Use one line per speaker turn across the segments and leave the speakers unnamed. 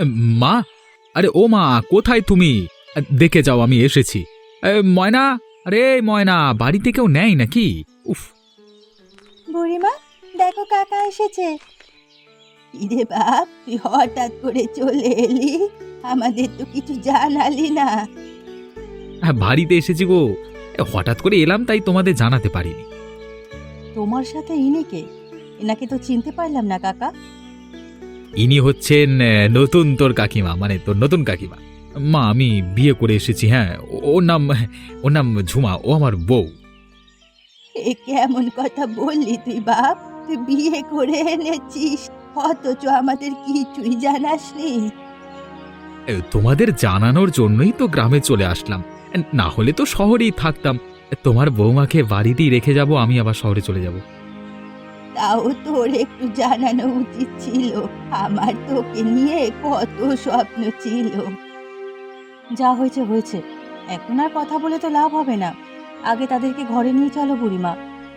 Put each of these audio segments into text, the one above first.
মা, আরে ও মা, কোথায় তুমি? দেখে যাও আমি এসেছি। ময়না, আরে ময়না, বাড়িতে কেউ নেই নাকি? উফ।
বুড়িমা, দেখো কাকা এসেছে। ইরে বাপ, তুই হঠাৎ করে চলে এলি, আমাদের তো কিছু জানালি না।
হ্যাঁ, বাড়িতে এসেছি গো। হঠাৎ করে এলাম, তাই তোমাদের জানাতে পারিনি।
তোমার সাথে ইনি কে? এনাকে তো চিনতে পারলাম না কাকা।
ইনি হচ্ছেন নতুন তোর কাকিমা, মানে তোর নতুন কাকিমা। মা, আমি বিয়ে করে এসেছি। হ্যাঁ, ওর নাম ঝুমা, ও আমার বউ।
এ কেমন কথা বললি তুই বাপ? তুই বিয়ে করে এনেছিস, অথচ আমাদের কিছুই জানাসনি।
তোমাদের জানানোর জন্যই তো গ্রামে চলে আসলাম, না হলে তো শহরেই থাকতাম। তোমার বৌমাকে বাড়িতেই রেখে যাব, আমি আবার শহরে চলে যাব।
তাও তোর একটু জানানো উচিত ছিল, আমার তোকে নিয়ে কত স্বপ্ন ছিল। যা হয়েছে হয়েছে, এখন আর কথা বলে তো লাভ হবে না। আগে তাদেরকে ঘরে নিয়ে চলো বুড়িমা।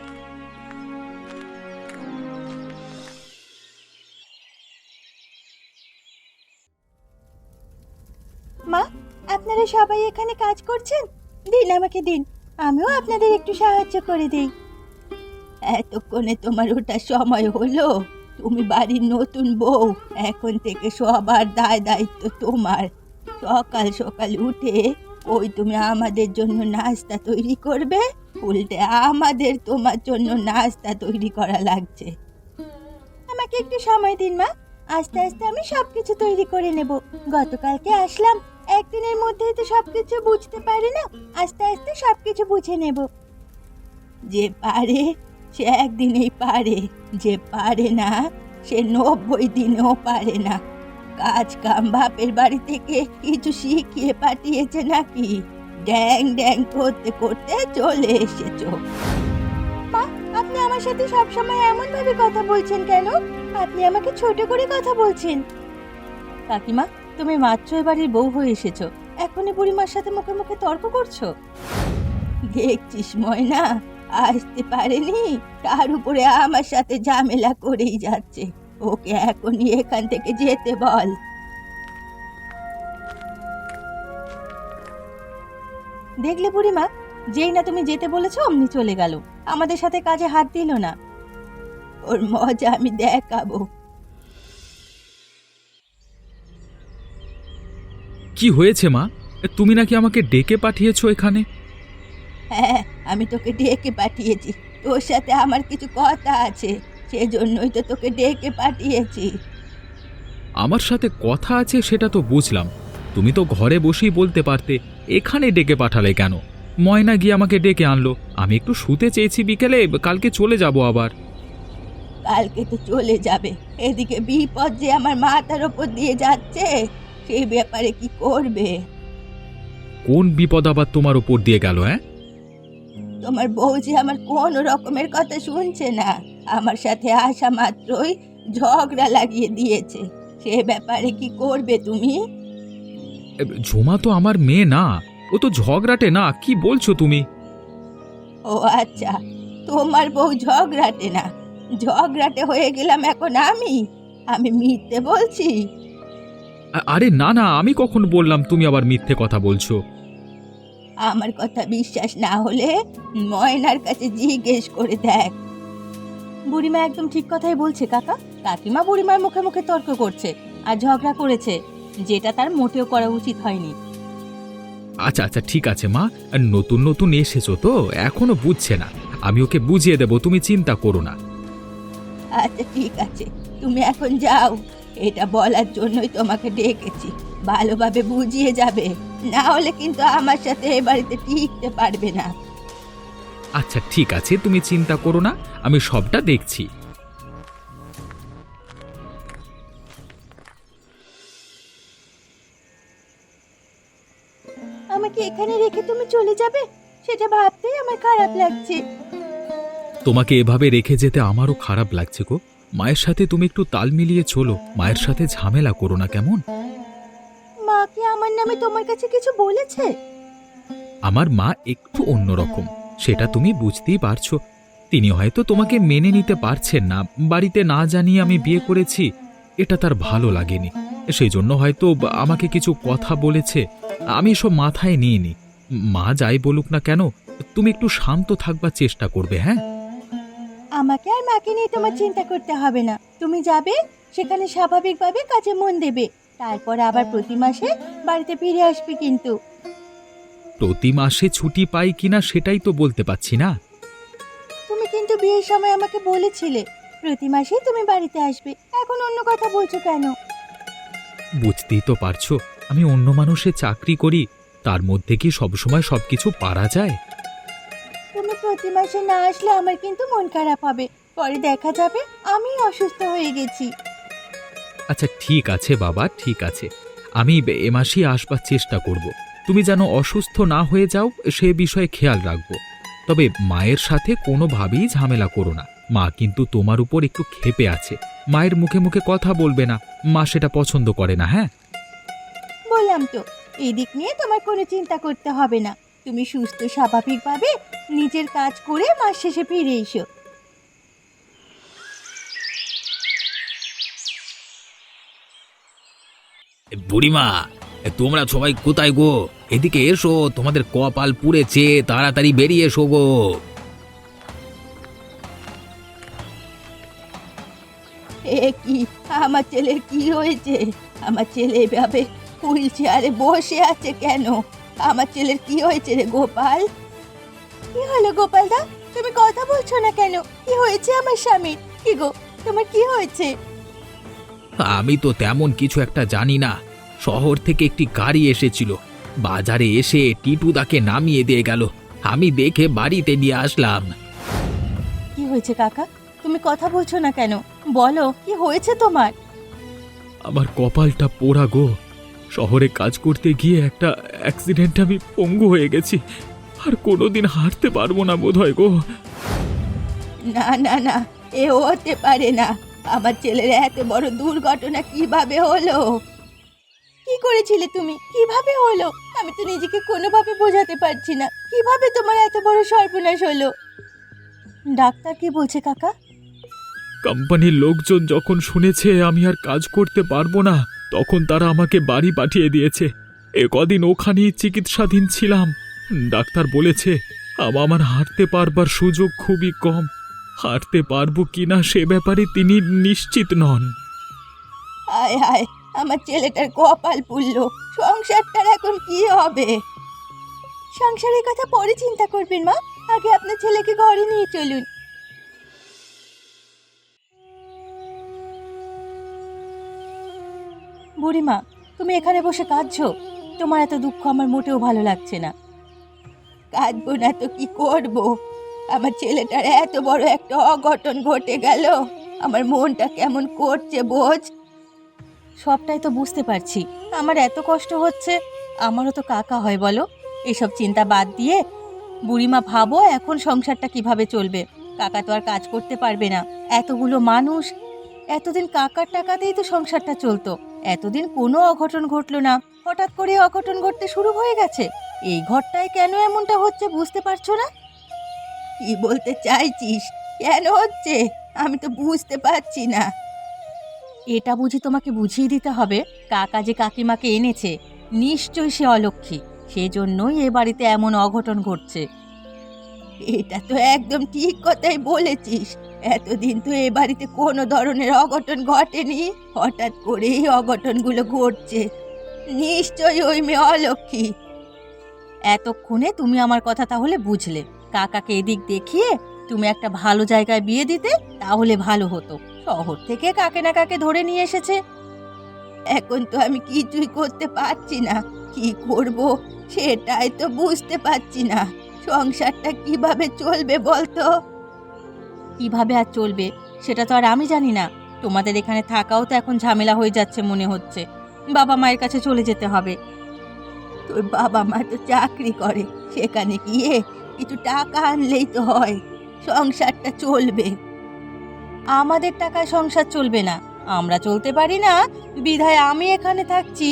মা, আপনারা সবাই এখানে কাজ করছেন? দিন, আমাকে দিন, আমিও আপনাদের একটু সাহায্য করে দেই। এতক্ষণে তোমার ওটা সময় হলো? তুমি বাড়ির নতুন বউ, এখন থেকে সবার দায় দায়িত্ব তোমার। সকাল সকাল উঠে ওই তুমি আমাদের জন্য নাস্তা তৈরি করবে, উল্টে আমাদের তোমার জন্য নাস্তা তৈরি করা লাগছে। আমাকে একটু সময় দিন মা, আস্তে আস্তে আমি সবকিছু তৈরি করে নেব। গতকালকে আসলাম, একদিনের মধ্যেই তো সবকিছু বুঝতে পারি না, আস্তে আস্তে সবকিছু বুঝে নেব। যে পারে সে একদিনেই পারে, যে পারে না সে 90 দিনেও পারে না। কাজ কাম বাপের বাড়ি থেকে কিছু শিখিয়ে পাঠিয়েছে নাকি? ড্যাং ড্যাং করতে করতে চলে এসেছো। মা, আপনি আমার সাথে সবসময় এমন ভাবে কথা বলছেন কেন? আপনি আমাকে ছোট করে কথা বলছেন। কাকিমা, তুমি মাত্র এবাড়ির বউ হয়ে এসেছো, এখনই বুড়িমার সাথে মুখে মুখে তর্ক করছো? দেখছিস ময়না, আসতে পারেনি, তার উপরে আমার সাথে ঝামেলা করেই যাচ্ছে। ওকে এখনই এখান থেকে যেতে বল। দেখলে বুড়িমা, যেই না তুমি যেতে বলেছো অমনি চলে গেল, আমাদের সাথে কাজে হাত দিল না। ওর মজা আমি দেখাবো।
কি হয়েছে মা? তুমি নাকি আমাকে ডেকে পাঠিয়েছো এখানে?
হ্যাঁ, আমি তোকে ডেকে পাঠিয়েছি, তোর সাথে আমার কিছু কথা আছে, সেজন্যই তো তোকে ডেকে পাঠিয়েছি।
আমার সাথে কথা আছে সেটা তো বুঝলাম, তুমি তো ঘরে বসেই বলতে পারতে, এখানে ডেকে পাঠালে কেন? ময়না গিয়ে আমাকে ডেকে আনলো, আমি একটু শুতে চেয়েছি বিকেলে, কালকে চলে যাব আবার।
কালকে তো চলে যাবে, এদিকে বিপদ যে আমার মাথার ওপর দিয়ে যাচ্ছে, সেই ব্যাপারে কি করবে?
কোন বিপদ আবার তোমার উপর দিয়ে গেল? হ্যাঁ,
তোমার বউ যে আমার কোনো রকমের কথা শুনছে না, আমার সাথে আসা মাত্রই ঝগড়া লাগিয়ে দিয়েছে, সে ব্যাপারে কি করবে তুমি?
ঝুমা তো আমার মেয়ে না, ও তো ঝগড়াটে না, কি বলছো তুমি?
ও আচ্ছা, তোমার বউ ঝগড়াটে না? ঝগড়াটে হয়ে গেলাম এখন আমি? আমি মিথ্যে বলছি?
আরে না না, আমি কখন বললাম তুমি আবার মিথ্যে কথা বলছো?
আমার কথা বিশ্বাস না হলে ময়নার কাছে জিজ্ঞেস করে দেখ। বুড়িমা একদম ঠিক কথাই বলছে কাকা। কাকিমা বুড়িমার মুখে মুখে তর্ক করছে আর ঝগড়া করেছে, যেটা তার মোটেও করা উচিত হয়নি।
আচ্ছা আচ্ছা, ঠিক আছে মা, নতুন নতুন এসেছো তো এখনো বুঝছে না, আমি ওকে বুঝিয়ে দেব, তুমি চিন্তা করো না।
আচ্ছা ঠিক আছে, তুমি এখন যাও, এটা বলার জন্যই তোমাকে ডেকেছি, ভালোভাবে বুঝিয়ে যাবে, না হলে কিন্তু আমার সাথে এ বাড়িতে টিকতে পারবে না।
আচ্ছা ঠিক আছে, তুমি চিন্তা করো না, আমি সবটা দেখছি।
আমাকে এখানে রেখে তুমি চলে যাবে, সেটা ভাবতেই আমার খারাপ লাগছে।
তোমাকে এভাবে রেখে যেতে আমারও খারাপ লাগছে গো। মায়ের সাথে তুমি একটু তাল মিলিয়ে চলো, মায়ের সাথে ঝামেলা করো না, কেমন?
মা কি আমার নামে তোমার কাছে কিছু বলেছে?
আমার মা একটু অন্যরকম, সেটা তুমি বুঝতেই পারছো। তিনি হয়তো তোমাকে মেনে নিতে পারছেন না, বাড়িতে না জানিয়ে আমি বিয়ে করেছি, এটা তার ভালো লাগেনি, সেই জন্য হয়তো আমাকে কিছু কথা বলেছে। আমি সব মাথায় নিইনি। মা যাই বলুক না কেন, তুমি একটু শান্ত থাকবার চেষ্টা করবে, হ্যাঁ?
আমাকে আর মাকে নিয়ে তোমার চিন্তা করতে হবে না। তুমি যাবে, সেখানে স্বাভাবিকভাবে কাজে মন দেবে। তারপর আবার প্রতি মাসে বাড়িতে ফিরে আসবে কিন্তু।
প্রতি মাসে ছুটি পাই কিনা সেটাই তো বলতে পারছি না।
তুমি কিন্তু বিয়ের সময় আমাকে বলেছিলে প্রতি মাসেই তুমি বাড়িতে আসবে। এখন অন্য কথা বলছো কেন?
বুঝতেই তো পারছো, আমি অন্য মানুষে চাকরি করি, তার মধ্যে কি সবসময় সবকিছু পারা যায়?
তুমি প্রতি মাসে না আসলে আমার কিন্তু মন খারাপ হবে। পরে দেখা যাবে আমি অসুস্থ হয়ে গেছি।
আচ্ছা ঠিক আছে বাবা, ঠিক আছে, আমি এ মাসেই আসবার চেষ্টা করব। তুমি যেন অসুস্থ না হয়ে যাও সে বিষয়ে খেয়াল রাখবো। তবে মায়ের সাথে কোনোভাবেই ঝামেলা করো না। মা কিন্তু তোমার উপর একটু ক্ষেপে আছে। মায়ের মুখে মুখে কথা বলবে না, মা সেটা পছন্দ করে না, হ্যাঁ?
বললাম তো, এই দিক নিয়ে তোমার কোনো চিন্তা করতে হবে না। তুমি সুস্থ স্বাভাবিকভাবে নিজের কাজ করে মাস শেষে ফিরে এসো।
বুড়িমা, তোমরা সবাই কোথায় গো? এদিকে এসো, তোমাদের কপাল পুড়েছে, তাড়াতাড়ি বেরিয়ে এসো গো।
এ কি, আমার ছেলের কি হয়েছে? আমার ছেলে এভাবে হুইল চেয়ারে বসে আছে কেন? আমার ছেলের কি হয়েছে রে গোপাল? কি হলো গোপাল দা? তুমি কথা বলছো না কেন? কি হয়েছে আমার স্বামীর? কি গো, তোমার কি হয়েছে?
আমি তো তেমন কিছু একটা জানি না। শহর থেকে একটি গাড়ি এসেছিল, বাজারে এসে টিটুদাকে নামিয়ে দিয়ে গেল। আমি দেখে বাড়িতে নিয়ে আসলাম।
কি হয়েছে কাকা? তুমি কথা বলছো না কেন? বলো, কি হয়েছে তোমার?
আমার কপালটা পোড়া গো। শহরে কাজ করতে গিয়ে একটা অ্যাক্সিডেন্টে আমি পঙ্গু হয়ে গেছি। আর কোনোদিন হাঁটতে পারবো না বোধহয় গো।
না না না, এ হতে পারে না। আমার ছেলের এত বড় দুর্ঘটনা কিভাবে হলো? কি করেছিলে তুমি? কিভাবে হলো? আমি তো নিজেকে কোনোভাবে বোঝাতে পারছি না। কিভাবে তোমার এত বড় সর্বনাশ হলো? ডাক্তার কি বলছে কাকা?
কোম্পানির লোকজন যখন শুনেছে আমি আর কাজ করতে পারবো না, তখন তারা আমাকে বাড়ি পাঠিয়ে দিয়েছে। এ কদিন ওখানেই চিকিৎসাধীন ছিলাম। ডাক্তার বলেছে আমার হাঁটতে পারবার সুযোগ খুবই কম। হাঁটতে পারবো কিনা সে ব্যাপারে তিনি নিশ্চিত নন।
হায় হায়, আমার ছেলেটার কপাল পুড়লো। সংসারটার এখন কি হবে? সংসারের কথা পরে চিন্তা করবেন মা। আগে আপনার ছেলেকে ঘরে নিয়ে চলুন। বুড়িমা, তুমি এখানে বসে কাঁদছো? তোমার এত দুঃখ আমার মোটেও ভালো লাগছে না। কাঁদবো না তো কি করব? আমার ছেলেটার এত বড় একটা অঘটন ঘটে গেল। আমার মনটা কেমন করছে বোঝ। সবটাই তো বুঝতে পারছি। আমার এত কষ্ট হচ্ছে। আমারও তো কাকা হয় বলো। এসব চিন্তা বাদ দিয়ে বুড়িমা ভাবো এখন সংসারটা কিভাবে চলবে। কাকা তো আর কাজ করতে পারবে না। এতগুলো মানুষ, এতদিন কাকার টাকাতেই তো সংসারটা চলতো। এতদিন কোনো অঘটন ঘটলো না, হঠাৎ করে অঘটন ঘটতে শুরু হয়ে গেছে। এই ঘরটায় কেন এমনটা হচ্ছে বুঝতে পারছো না? কি বলতে চাইছিস? কেন হচ্ছে আমি তো বুঝতে পারছি না। এটা বুঝি তোমাকে বুঝিয়ে দিতে হবে। কাকা যে কাকিমাকে এনেছে, নিশ্চয়ই সে অলক্ষী। সেজন্যই এ বাড়িতে এমন অঘটন ঘটছে। এটা তো একদম ঠিক কথাই বলেছিস। এতদিন তো এ বাড়িতে কোনো ধরনের অঘটন ঘটেনি, হঠাৎ করেই অঘটনগুলো ঘটছে। নিশ্চয়ই ওই মেয়ে অলক্ষী। এতক্ষণে তুমি আমার কথা তাহলে বুঝলে। কাকাকে এদিক দেখিয়ে তুমি একটা ভালো জায়গায় বিয়ে দিতে, তাহলে ভালো হতো। শহর থেকে কাকে না কাকে ধরে নিয়ে এসেছে। এখন তো আমি কিছুই করতে পারছি না। কি করব সেটাই তো বুঝতে পারছি না। সংসারটা কিভাবে চলবে বলতো? কিভাবে আর চলবে সেটা তো আর আমি জানি না। তোমাদের এখানে থাকাও তো এখন ঝামেলা হয়ে যাচ্ছে মনে হচ্ছে। বাবা মায়ের কাছে চলে যেতে হবে। তোর বাবা মা তো চাকরি করে, সেখানে গিয়ে কিছু টাকা আনলেই তো হয়, সংসারটা চলবে। আমাদের টাকায় সংসার চলবে না। আমরা চলতে পারি না, বিধায় আমি এখানে থাকছি।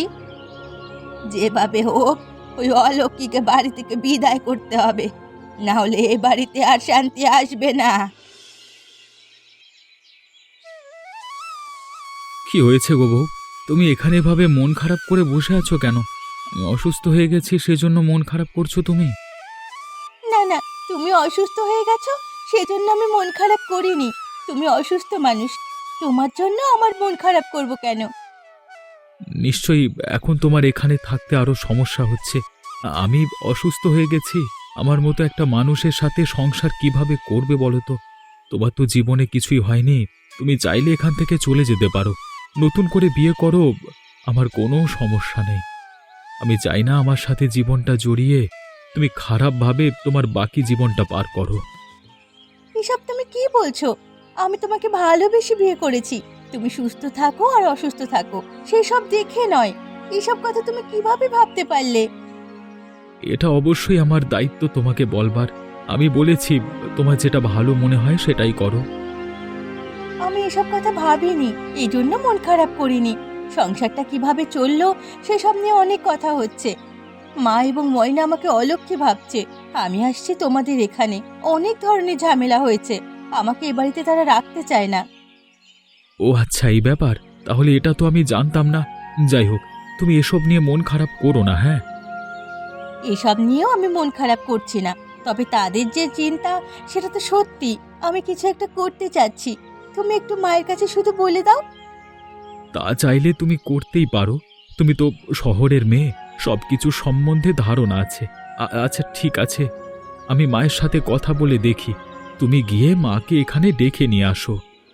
যেভাবে হোক ওই অলক্ষীকে বাড়ি থেকে বিদায় করতে হবে, না হলে এ বাড়িতে আর শান্তি আসবে না।
কি হয়েছে গো বউ? তুমি এখানে এভাবে মন খারাপ করে বসে আছো কেন? আমি অসুস্থ হয়ে গেছি সেজন্য মন খারাপ করছো তুমি?
না না, তুমি অসুস্থ হয়ে গেছো সেজন্য আমি মন খারাপ করিনি। তুমি অসুস্থ মানুষ, তোমার জন্য আমার মন খারাপ করব কেন?
নিশ্চয়ই এখন তোমার এখানে থাকতে আরো সমস্যা হচ্ছে। আমি অসুস্থ হয়ে গেছি। আমার মতো একটা মানুষের সাথে সংসার কিভাবে করবে বলো তো? তোমার তো জীবনে কিছুই হয়নি। তুমি চাইলে এখান থেকে চলে যেতে পারো, নতুন করে বিয়ে করো, আমার কোনো সমস্যা নেই। আমি চাই না আমার সাথে জীবনটা জড়িয়ে তুমি খারাপভাবে তোমার বাকি জীবনটা পার করো।
এসব তুমি কি বলছো? আমি তোমাকে ভালোবেসে বিয়ে করেছি। তুমি সুস্থ থাকো আর অসুস্থ থাকো সেই সব দেখে নয়। এসব কথা তুমি কিভাবে ভাবতে পারলে?
এটা অবশ্যই আমার দায়িত্ব তোমাকে বলবার। আমি বলেছি তোমার যেটা ভালো মনে হয় সেটাই করো।
আমি এসব কথা ভাবিনি, এই জন্য মন খারাপ করিনি। সংসারটা কিভাবে চললো সেসব নিয়ে অনেক কথা হচ্ছে। মা এবং ময়না আমাকে অলক্ষ্যে ভাবছে। আমি আসছি তোমাদের এখানে, অনেক ধরনের ঝামেলা হয়েছে। আমাকে এ বাড়িতে তারা রাখতে চায় না।
ও আচ্ছা, এই ব্যাপার। তাহলে এটা তো আমি জানতাম না। যাই হোক, তুমি এসব নিয়ে মন খারাপ করো না, হ্যাঁ?
এসব নিয়েও আমি মন খারাপ করছি না, তবে তাদের যে চিন্তা সেটা তো সত্যি। আমি কিছু একটা করতে চাচ্ছি, তুমি একটু মায়ের কাছে শুধু বলে দাও।
তা চাইলে তুমি করতেই পারো। তুমি তো শহরের মেয়ে, সবকিছু সম্বন্ধে ধারণা আছে। আচ্ছা ঠিক আছে, আমি মায়ের সাথে কথা বলে দেখি। তুমি গিয়ে মাকে এখানে ডেকে নিয়ে আসো।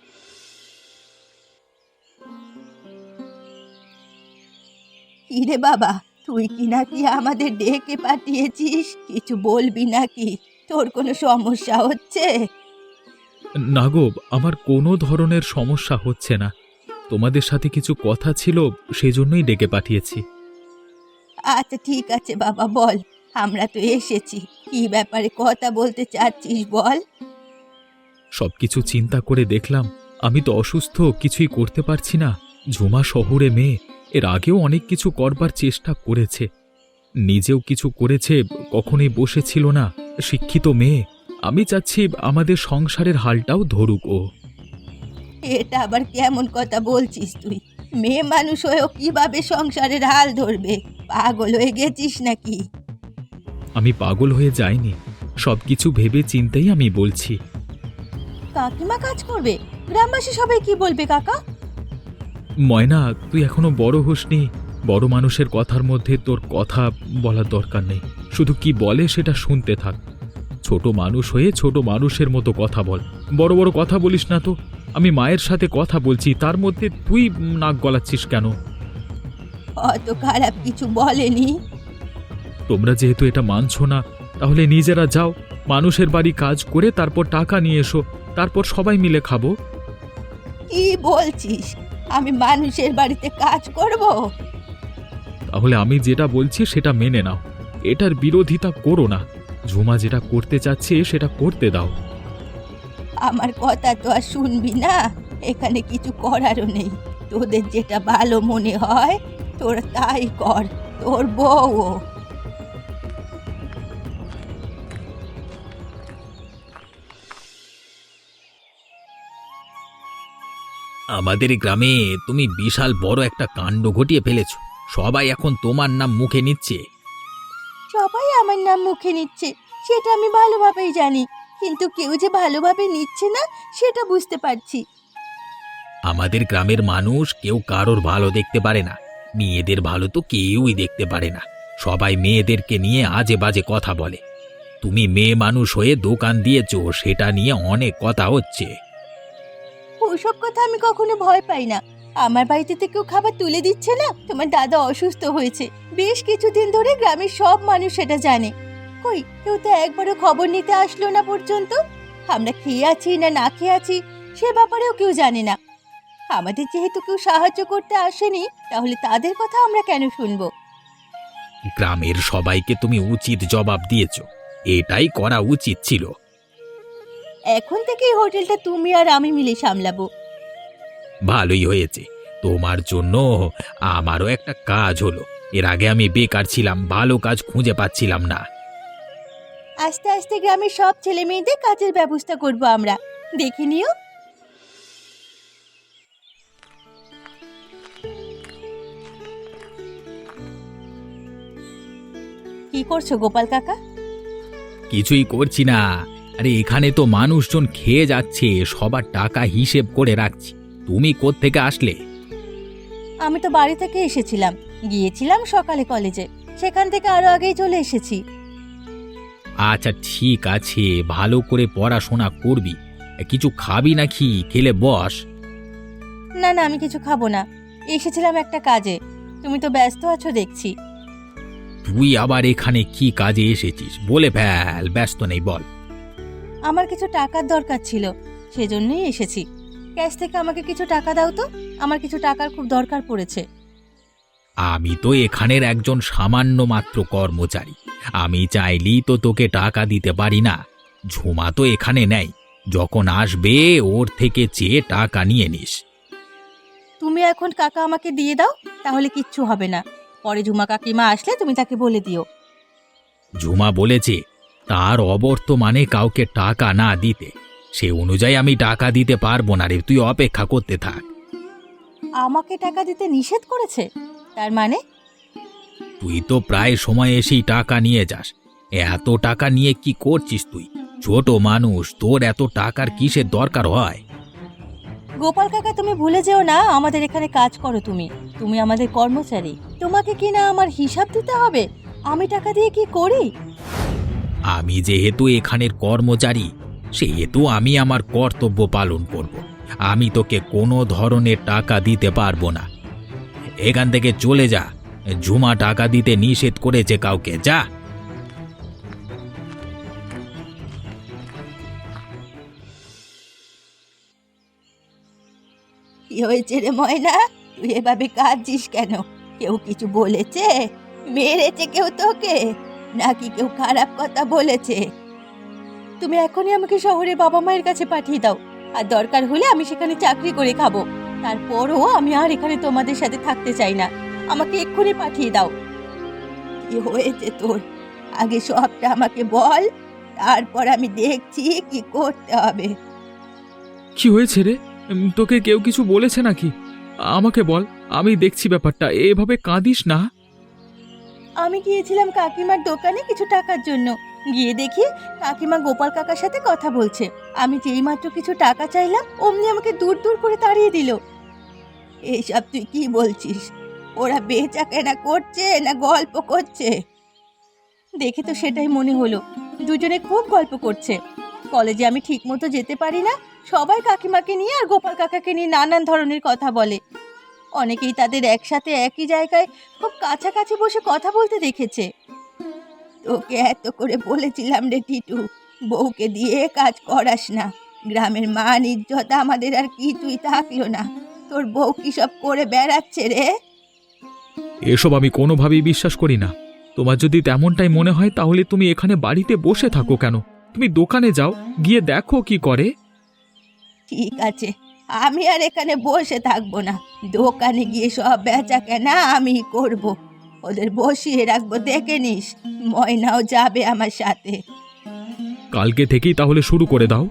কিরে বাবা, তুই কি নাকি আমাদের ডেকে পাঠিয়েছিস? কিছু বলবি নাকি? তোর কোনো সমস্যা হচ্ছে?
না গো, আমার কোনো ধরনের সমস্যা হচ্ছে না। তোমাদের সাথে কিছু কথা ছিল, সেজন্যই ডেকে পাঠিয়েছি।
আচ্ছা ঠিক আছে বাবা, বল। আমরা তো এসেছি, কি ব্যাপারে কথা বলতে চাচ্ছিস বল।
সবকিছু চিন্তা করে দেখলাম আমি তো অসুস্থ, কিছুই করতে পারছি না। ঝুমা শহুরে মেয়ে, এর আগেও অনেক কিছু করবার চেষ্টা করেছে, নিজেও কিছু করেছে, কখনোই বসেছিল না। শিক্ষিত মেয়ে, আমি চাচ্ছি আমাদের সংসারের হালটাও ধরুক ও।
এটা আবার কেমন কথা বলছিস তুই? মেয়ে মানুষ হয়েও কিভাবে সংসারের হাল ধরবে? পাগল হয়ে গেছিস নাকি?
আমি পাগল হয়ে যাইনি, সবকিছু ভেবে চিন্তেই আমি বলছি।
কাকিমা কাজ করবে, গ্রামবাসী সবাই কি বলবে কাকা?
ময়না, তুই এখনো বড় হসনি। বড় মানুষের কথার মধ্যে তোর কথা বলার দরকার নেই। শুধু কি বলে সেটা শুনতে থাক। ছোট মানুষ হয়ে ছোট মানুষের মতো কথা বল, বড় বড় কথা বলিস না তো। আমি মায়ের সাথে কথা বলছি, তার মধ্যে তুই নাক গলাচ্ছিস কেন?
অত খারাপ কিছু বলেনি।
তোমরা যেহেতু এটা মানছো না, তাহলে নিজেরা যাও, মানুষের বাড়ি কাজ করে তারপর টাকা নিয়ে এসো, তারপর সবাই মিলে খাবো।
কি বলছিস? আমি মানুষের বাড়িতে কাজ করব?
তাহলে আমি যেটা বলছি সেটা মেনে নাও, এটার বিরোধিতা করো না। ঝুমা যেটা করতে চাচ্ছে সেটা করতে দাও।
আমার কথা তো আর শুনবি না, এখানে কিছু করারও নেই। তোদের যেটা ভালো মনে হয় তোরা তাই কর, তোর বউ।
আমাদের গ্রামে তুমি বিশাল বড় একটা কাণ্ড ঘটিয়ে ফেলেছো। সবাই এখন তোমার নাম মুখে নিচ্ছে।
সবাই আমার নাম মুখে নিচ্ছে সেটা আমি ভালোভাবেই জানি, কিন্তু কেউ যে ভালোভাবে নিচ্ছে না সেটা বুঝতে পারছি।
আমাদের গ্রামের মানুষ কেউ কারোর ভালো দেখতে পারে না। মেয়েদের ভালো তো কেউই দেখতে পারে না। সবাই মেয়েদেরকে নিয়ে আজে বাজে কথা বলে। তুমি মেয়ে মানুষ হয়ে দোকান দিয়েছো, সেটা নিয়ে অনেক কথা হচ্ছে।
ওসব কথা আমি কখনো ভয় পাই না। আমার বাড়িতে তো কেউ খাবার তুলে দিচ্ছে না। তোমার দাদা অসুস্থ হয়েছে, বেশ কিছুদিন ধরে গ্রামের সব মানুষ সেটা জানে। কই, কেউ তো একবারও খবর নিতে আসলো না পর্যন্ত। আমরা খেয়ে আছি না না খেয়ে আছি সে ব্যাপারেও কেউ জানে না। আমাদের যেহেতু কেউ সাহায্য করতে আসেনি, তাহলে তাদের কথা আমরা কেন শুনবো?
গ্রামের সবাইকে তুমি উচিত জবাব দিয়েছো, এটাই করা উচিত ছিল।
এখন থেকে এই হোটেলটা তুমি আর আমি মিলে সামলাবো।
ভালোই হয়েছে, তোমার জন্য আমারও একটা কাজ হলো। এর আগে আমি বেকার ছিলাম, ভালো কাজ খুঁজে পাচ্ছিলাম না।
আস্তে আস্তে গ্রামের সব ছেলে মেয়েদের কাজের ব্যবস্থা করব আমরা, দেখে নিও। কি করছো গোপাল কাকা?
কিছুই করছি না। আরে এখানে তো মানুষজন খেয়ে যাচ্ছে, সবার টাকা হিসেব করে রাখছি। তুমি কোত্থেকে আসলে?
আমি তো বাড়ি থেকে এসেছিলাম, গিয়েছিলাম সকালে কলেজে, সেখান থেকে আরো আগেই চলে এসেছি।
আচ্ছা ঠিক আছে, ভালো করে পড়াশোনা করবি। কিছু খাবি নাকি? খেলে বস।
না না, আমি কিছু খাবো না, এসেছিলাম একটা কাজে। তুমি তো ব্যস্ত আছো দেখছি।
তুই আবার এখানে কি কাজে এসেছিস? বলে ফেল, ব্যস্ত নেই, বল।
আমার কিছু টাকার দরকার ছিল, সেজন্যই এসেছি। ক্যাশ থেকে আমাকে কিছু টাকা দাও তো, আমার কিছু টাকার খুব দরকার পড়েছে।
আমি তো এখানের একজন সামান্য মাত্র কর্মচারী। আমি চাইলেই তো তোকে টাকা দিতে পারি না। ঝুমা তো এখানে নেই, যখন আসবে ওর থেকে চেয়ে টাকা নিয়ে নিস।
তুমি এখন কাকা আমাকে দিয়ে দাও, তাহলে কিচ্ছু হবে না। পরে ঝুমা কাকিমা আসলে তুমি তাকে বলে দিও।
ঝুমা বলেছে তার অবর্তমানে কাউকে টাকা না দিতে। সে অনুযায়ী আমি টাকা দিতে পারবো না রে, তুই অপেক্ষা করতে থাক।
আমাকে টাকা দিতে নিষেধ করেছে? তার মানে?
তুই তো প্রায় সময় এসেই টাকা নিয়ে যাস। এত টাকা নিয়ে কি করছিস তুই? ছোট মানুষ, তোর এত টাকার কিসের দরকার হয়?
গোপাল কাকা, তুমি ভুলে যেও না আমাদের এখানে কাজ করো তুমি। তুমি আমাদের কর্মচারী, তোমাকে কি না আমার হিসাব দিতে হবে আমি টাকা দিয়ে কি করি।
আমি যেহেতু এখানের কর্মচারী, সেহেতু আমি আমার কর্তব্য পালন করব। আমি তোকে কোনো ধরনের টাকা দিতে পারবো না। এখান থেকে চলে যা। ঝুমা টাকা দিতে নিষেধ করেছে কাউকে, যা।
কি হয়েছে রে ময়না, তুই এভাবে কাঁদছিস কেন? কেউ কিছু বলেছে? মেরেছে কেউ তোকে, নাকি কেউ খারাপ কথা বলেছে? তুমি এখনই আমাকে শহরে বাবা মায়ের কাছে পাঠিয়ে দাও, আর দরকার হলে আমি সেখানে চাকরি করে খাবো। তারপরও আমি আর এখানে তোমাদের সাথে থাকতে চাই না। আমাকে এক্ষুনি পাঠিয়ে দাও। কি হয়েছে তোর? আগে সবটা আমাকে বল, তারপর আমি দেখছি কি করতে হবে।
কি হয়েছে রে? তোকে কেউ কিছু বলেছে নাকি? আমাকে বল, আমি দেখছি ব্যাপারটা। এভাবে কাঁদিস না।
আমি গিয়েছিলাম কাকিমার দোকানে কিছু টাকার জন্য, গিয়ে দেখি কাকিমা গোপাল কাকার সাথে কথা বলছে। আমি যেই মাত্র কিছু টাকা চাইলাম, অমনি আমাকে দূর দূর করে তাড়িয়ে দিল। এইসব তুই কি বলছিস? ওরা বেচা কেনা করছে না গল্প করছে? দেখে তো সেটাই মনে হলো, দুজনে খুব গল্প করছে। কলেজে আমি ঠিক মতো যেতে পারি না, সবাই কাকিমাকে নিয়ে আর গোপাল কাকাকে নিয়ে নানান ধরনের কথা বলে। অনেকেই তাদের একসাথে একই জায়গায় খুব কাছাকাছি বসে কথা বলতে দেখেছে। তোকে এত করে বলেছিলাম রে টিটু, বউকে দিয়ে কাজ করাস না। গ্রামের মান ইজ্জত আমাদের আর কিছুই থাকলো না। তোর বউ কি সব করে বেড়াচ্ছে রে?
এসব আমি কোনোভাবেই বিশ্বাস করি না। তোমার যদি তেমনটাই মনে হয় তাহলে তুমি এখানে বাড়িতে বসে থাকো কেন? তুমি দোকানে যাও, গিয়ে দেখো কি করে।
ঠিক আছে, আমি আর এখানে বসে থাকবো না। দোকানে গিয়ে সব বেচা কেনা আমি করব। ওদের বসিয়ে রাখবো, দেখে নিস। ময়নাও যাবে আমার সাথে।
কালকে থেকেই তাহলে শুরু করে দাও।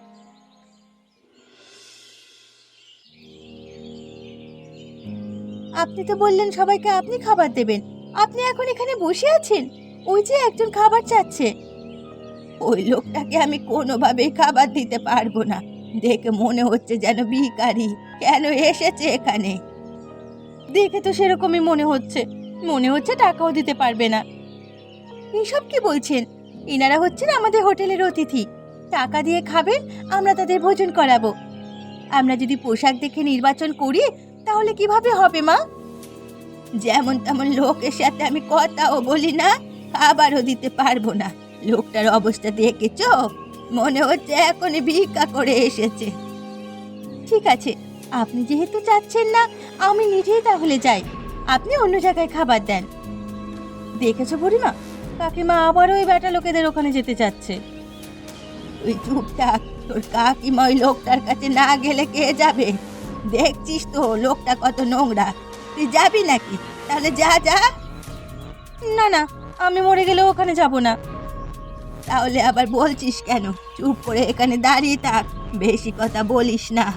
আপনি তো বললেন সবাইকে আপনি খাবার দেবেন, আপনি এখন এখানে বসে আছেন? ওই যে একজন খাবার চাচ্ছে। ওই লোকটাকে আমি কোনোভাবেই খাবার দিতে পারবো না। দেখে মনে হচ্ছে যেন ভিখারি। কেন এসেছে এখানে? দেখে তো সেরকমই মনে হচ্ছে। মনে হচ্ছে টাকাও দিতে পারবে না। এসব কি বলছেন? ইনারা হচ্ছেন আমাদের হোটেলের অতিথি। টাকা দিয়ে খাবেন, আমরা তাদের ভোজন করাবো। আমরা যদি পোশাক দেখে নির্বাচন করি তাহলে কিভাবে হবে মা? যেমন তেমন লোকের সাথে আমি কথাও বলি না, খাবারও দিতে পারবো না। লোকটার অবস্থা দেখেছো? মনে হচ্ছে এখনই ভিক্ষা করে এসেছে। ঠিক আছে, আপনি যেহেতু চাচ্ছেন না, আমি নিজেই তাহলে যাই। আপনি অন্য জায়গায় খাবার দেন। দেখেছো বুড়িমা, কাকিমা আবারও ওই বেটা লোকেদের ওখানে যেতে চাচ্ছে। তুই চুপ থাক, তোর কাকিমা ওই লোকটার কাছে না গেলে কে যাবে? দেখছিস তো লোকটা কত নোংরা। তুই যাবি নাকি? তাহলে যা যা। না না, আমি মরে গেলেও ওখানে যাব না। তাহলে আবার বলছিস কেন? চুপ করে এখানে দাঁড়িয়ে থাক, বেশি কথা বলিস না।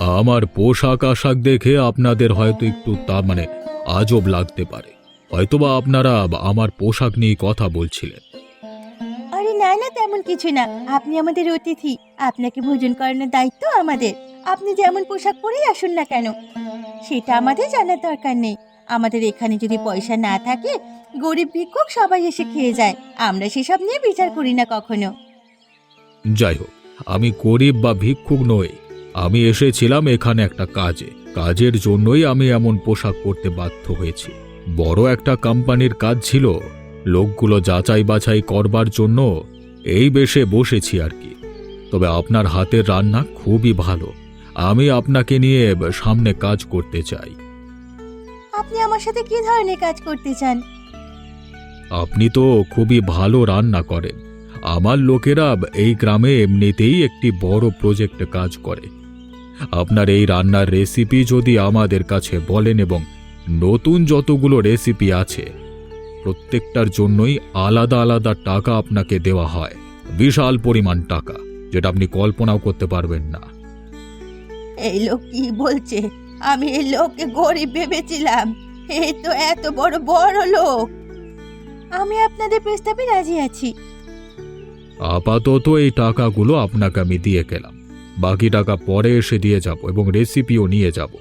আমার পোশাক আশাক দেখে আপনাদের হয়তো একটু আজব লাগতে পারে, হয়তোবা আপনারা আমার পোশাক নিয়ে কথা বলছিলেন।
আরে না না, তেমন কিছু না। আপনি আমাদের অতিথি, আপনাকে ভোজন করানোর দায়িত্ব আমাদের। আপনি যেমন পোশাক পরেই আসুন না কেন, সেটা আমাদের জানার দরকার নেই। আমাদের এখানে যদি পয়সা না থাকে, গরিব ভিক্ষুক সবাই এসে খেয়ে যায়। আমরা সেসব নিয়ে বিচার করি না কখনো।
যাই হোক, আমি গরিব বা ভিক্ষুক নই। আমি এসেছিলাম এখানে একটা কাজের জন্যই আমি এমন পোশাক পরতে বাধ্য হয়েছি। বড় একটা কোম্পানির কাজ ছিল, লোকগুলো যাচাই বাছাই করবার জন্য এই বেশে বসেছি আর কি। তবে আপনার হাতের রান্না খুবই ভালো, আমি আপনাকে নিয়ে সামনে কাজ করতে চাই।
আপনি আমার সাথে কি ধরনের কাজ করতে চান?
আপনি তো খুবই ভালো রান্না করেন। আমার লোকেরা এই গ্রামে এমনিতেই একটি বড় প্রজেক্টে কাজ করে। আপনার এই রান্নার রেসিপি যদি আমাদের কাছে বলেন এবং নতুন যতগুলো রেসিপি আছে প্রত্যেকটার জন্যই আলাদা আলাদা টাকা আপনাকে দেওয়া হয়, বিশাল পরিমাণ টাকা, যেটা আপনি কল্পনাও করতে পারবেন না।
এই লোক কি বলছে? আমি এই লোককে গরিব ভেবেছিলাম, এই তো এত বড় বড় লোক। আমি আপনাদের প্রস্তাবে রাজি আছি।
আপাতত এই টাকাগুলো আপনাকে আমি দিয়ে গেলাম, বাকি টাকা পরে এসে দিয়ে যাব এবং রেসিপিও নিয়ে যাব।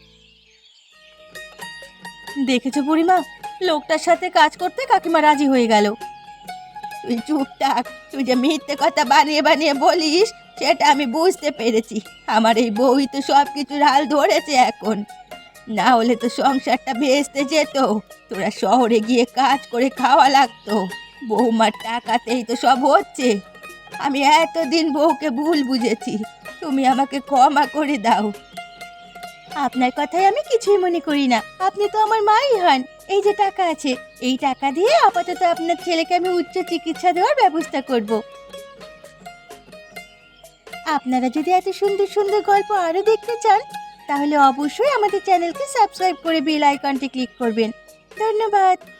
দেখেছো বুড়িমা, লোকটার সাথে কাজ করতে কাকিমা রাজি হয়ে গেল। তুই চুপ থাক, তুই যে মিথ্যে কথা বানিয়ে বানিয়ে বলিস সেটা আমি বুঝতে পেরেছি। আমার এই বউই তো সব কিছুর হাল ধরেছে এখন, না হলে তো সংসারটা ভেস্তে যেত। তোরা শহরে গিয়ে কাজ করে খাওয়া লাগতো, বৌমার টাকাতেই তো সব হচ্ছে। আমি এতদিন বউকে ভুল বুঝেছি, তুমি আমাকে ক্ষমা করে দাও। আপনার কথায় আমি কিছুই মনে করি না, আপনি তো আমার মাই হন। এই যে টাকা আছে, এই টাকা দিয়ে আপাতত আপনার ছেলেকে আমি উচ্চ চিকিৎসা দেওয়ার ব্যবস্থা করব। আপনারা যদি এত সুন্দর সুন্দর গল্প আরো দেখতে চান, তাহলে অবশ্যই আমাদের চ্যানেলকে সাবস্ক্রাইব করে বেল আইকনটি ক্লিক করবেন। ধন্যবাদ।